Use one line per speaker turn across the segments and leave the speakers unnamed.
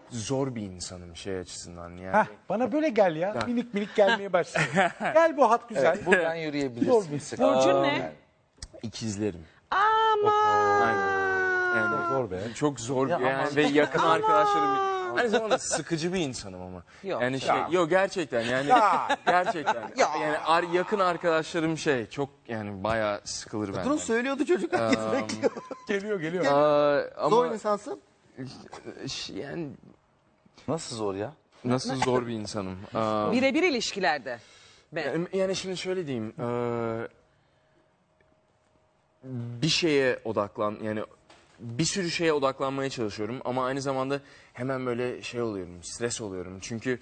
zor bir insanım şey açısından yani.
Heh, bana böyle gel ya. Minik minik gelmeye başladı. Gel bu hat güzel.
Buradan yürüyebilirsin. Sıkıntı
Burcun
yok.
ne?
İkizlerim.
Aman.
Aynen. Yani
Zor be.
Çok zor
Ya
yani
aman.
ve yakın arkadaşlarım. Aynı zamanda sıkıcı bir insanım ama.
Yok.
Yani yok gerçekten yani gerçekten. Yani yakın arkadaşlarım çok yani bayağı sıkılır benden.
Bunu söylüyordu çocuk. Herkes bekliyor.
Geliyor.
Ama
Zor insansın.
yani
Nasıl zor ya?
nasıl zor bir insanım.
Birebir ilişkilerde. Ben.
Yani şimdi şöyle diyeyim. Bir şeye yani bir sürü şeye odaklanmaya çalışıyorum ama aynı zamanda hemen böyle oluyorum, stres oluyorum. Çünkü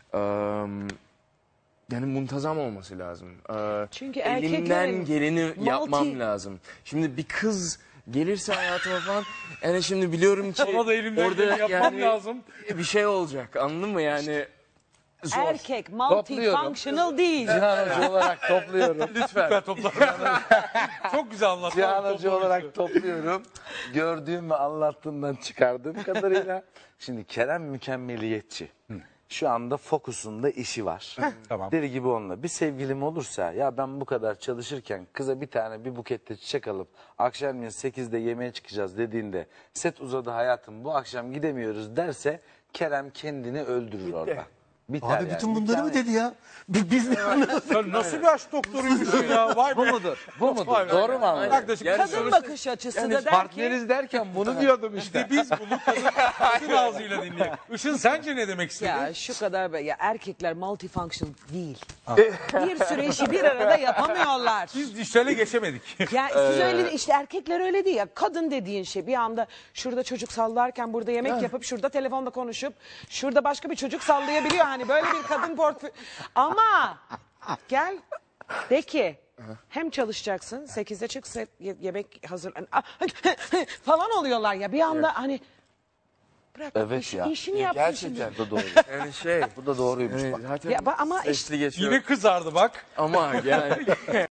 yani muntazam olması lazım.
Çünkü
elimden
erkeklerin
geleni yapmam
multi-
lazım. Şimdi bir kız gelirse hayatıma falan yani şimdi biliyorum ki
Ona da elimden geleni yapmam lazım.
bir şey olacak, anladın mı yani? Zor.
Erkek multifunctional değil.
Cihan Hoca olarak topluyorum.
Lütfen.
Çok güzel anlattın.
Cihan Hoca olarak topluyorum. Gördüğüm ve anlattığımdan çıkardığım kadarıyla. Şimdi Kerem mükemmeliyetçi. Şu anda fokusunda işi var.
Tamam.
Deli gibi onunla. Bir sevgilim olursa ya ben bu kadar çalışırken kıza bir bukette çiçek alıp akşamleyin 8'de yemeğe çıkacağız dediğinde set uzadı hayatım bu akşam gidemiyoruz derse Kerem kendini öldürür orada. Biter
Abi bütün bunları mı dedi ya? Biz ne anladık?
Sen nasıl bir aşk doktoruymuşsun ya? Vay be.
Bu mudur? Bu mudur?
Vay be.
Doğru mu anladın?
Yaklaşık
Yani
Kadın bakış açısı da der ki
Partneriz derken bunu diyordum işte.
biz bunu kadın ağzıyla dinleyelim. Işın sence ne demek istedin?
ya şu kadar ya erkekler multifunctional değil. Bir sürü işi bir arada yapamıyorlar.
Biz dijitale geçemedik.
Ya siz öyle işte erkekler öyle değil ya. Kadın dediğin şey bir anda şurada çocuk sallarken burada yemek yapıp şurada telefonda konuşup şurada başka bir çocuk sallayabiliyor. Hani böyle bir kadın portföy. Ama gel de ki hem çalışacaksın 8'de çık yemek hazır falan oluyorlar ya bir anda hani bırak
Evet ya.
işini yapmışsın.
Gerçekten bu da doğru.
Yani
Bu da doğruymuş
yani
bak.
zaten
Ya ama
sesli geçiyor.
Yine kızardı bak.
Ama yani